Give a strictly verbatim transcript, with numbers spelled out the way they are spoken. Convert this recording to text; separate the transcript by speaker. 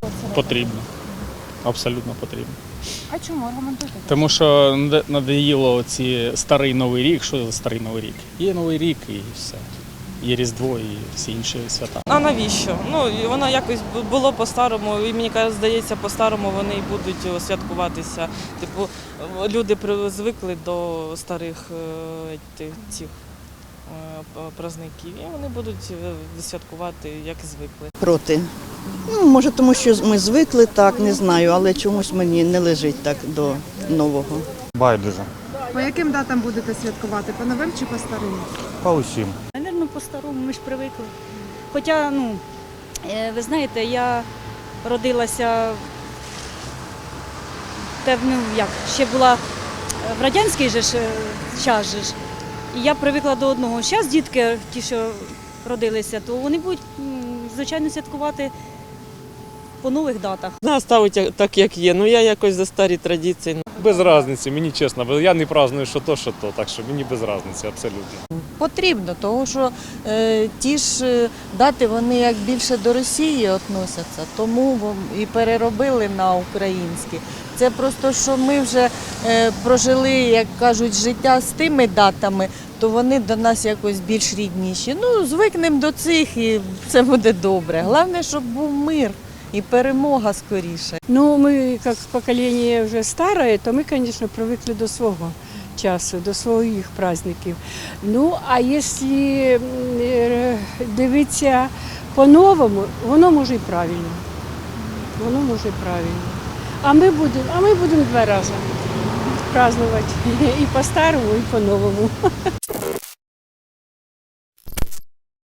Speaker 1: Потрібно. Абсолютно потрібно.
Speaker 2: А чому аргументуйте?
Speaker 1: Тому що надоїло ці старий Новий рік. Що за старий Новий рік? Є Новий рік і все. Є Різдво і всі інші свята.
Speaker 3: А навіщо? Ну, воно якось було по-старому, і мені здається, по-старому вони і будуть святкуватися. Типу, люди звикли до старих тих, цих праздників, і вони будуть святкувати, як звикли.
Speaker 4: Проти. Ну, може, тому що ми звикли так, не знаю, але чомусь мені не лежить так до нового.
Speaker 5: Байдуже.
Speaker 2: По яким датам будете святкувати? По новим чи по старим?
Speaker 5: По усім.
Speaker 6: Навірно, по-старому, ми ж привикли. Хоча, ну, ви знаєте, я родилася, ну, як, ще була в радянський же ж час же ж, і я привикла до одного. Зараз дітки, ті, що родилися, то вони будуть, звичайно, святкувати по нових датах.
Speaker 3: Нас ставить так, як є, ну я якось за старі традиції.
Speaker 7: Без різниці, мені чесно, бо я не праздную що то, що то, так що мені без різниці абсолютно.
Speaker 8: Потрібно, тому що е, ті ж дати, вони як більше до Росії відносяться, тому і переробили на українські. Це просто, що ми вже е, прожили, як кажуть, життя з тими датами, то вони до нас якось більш рідніші. Ну, звикнемо до цих і це буде добре. Головне, щоб був мир. И перемога скоріше.
Speaker 9: Ну, мы, как поколение уже старое, то мы, конечно, привыкли до свого часу, до своїх праздників. Ну, а якщо дивитися по-новому, воно може і правильно. Воно може і правильно. А ми будемо, а ми будемо два рази празднувати. І по-старому, і по-новому.